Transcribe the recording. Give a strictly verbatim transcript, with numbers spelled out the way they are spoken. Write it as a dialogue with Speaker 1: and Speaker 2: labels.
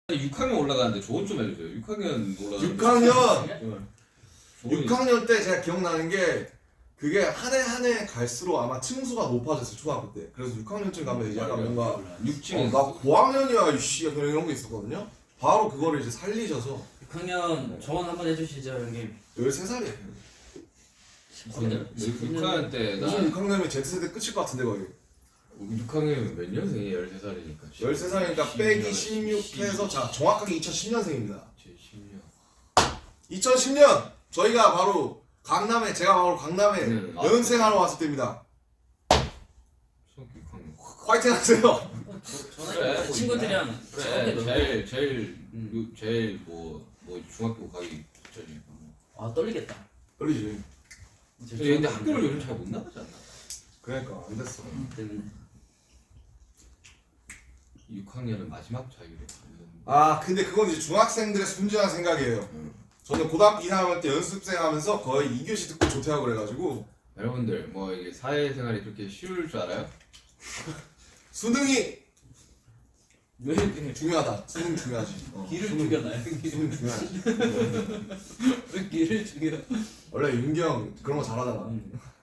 Speaker 1: 육 학년 올라가는데 조언 좀 해주세요. 육 학년 올라가는데
Speaker 2: 육 학년
Speaker 1: 조언이-
Speaker 2: 육 학년 때 제가 기억나는 게 그게 한 해 한 해 갈수록 아마 층수가 높아졌어요 초등학교 때. 그래서 육 학년쯤 가면 이제 약간 뭔가
Speaker 1: 육 층에
Speaker 2: 어, 나 고학년이야 이씨 그런 이런 게 있었거든요. 바로 그거를 이제 살리셔서
Speaker 3: 육 학년 조언 한번 해주시죠 형님.
Speaker 2: 열세 살이에요.
Speaker 1: 육 학년 때 나
Speaker 2: 무슨 육 학년이면 Z세대 끝일 것 같은데 거의.
Speaker 1: 육 학년이면 몇 년생이에요? 열세 살이니까
Speaker 2: 열세 살이니까 빼기 십육 해서 자 정확하게 이천십 년생입니다.
Speaker 1: 십 년
Speaker 2: 이천십 년 저희가 바로 강남에 제가 바로 강남에
Speaker 1: 네.
Speaker 2: 연생하러 왔을 때입니다.
Speaker 1: 중학교 육 학년
Speaker 2: 화이팅 하세요.
Speaker 3: 저는
Speaker 1: 그래,
Speaker 3: 친구들이랑
Speaker 1: 그래
Speaker 3: 즐겁게
Speaker 1: 제일 제일
Speaker 3: 음.
Speaker 1: 요- 제일 뭐 뭐 중학교 가기 전이니까 뭐.
Speaker 3: 아 떨리겠다.
Speaker 2: 떨리지.
Speaker 1: 근데 근데 학교를 요즘 잘 못 나가지 않나?
Speaker 2: 그러니까 안 됐어.
Speaker 3: 때문에.
Speaker 1: 육 학년은 마지막 자유로
Speaker 2: 아 근데 그건 이제 중학생들의 순진한 생각이에요.
Speaker 1: 음.
Speaker 2: 저는 고등학교 이 학년 때 연습생 하면서 거의 이 교시 듣고 조퇴하고 그래가지고
Speaker 1: 여러분들 뭐 이게 사회생활이 그렇게 쉬울 줄 알아요?
Speaker 2: 수능이
Speaker 3: 왜 이렇게
Speaker 2: 중요하다. 수능 중요하지. 어,
Speaker 3: 길을
Speaker 2: 수능,
Speaker 3: 죽여놔요?
Speaker 2: 수능 중요하지.
Speaker 3: 왜 길을 죽여?
Speaker 2: 원래 윤기 형 그런 거 잘하잖아.
Speaker 3: 음.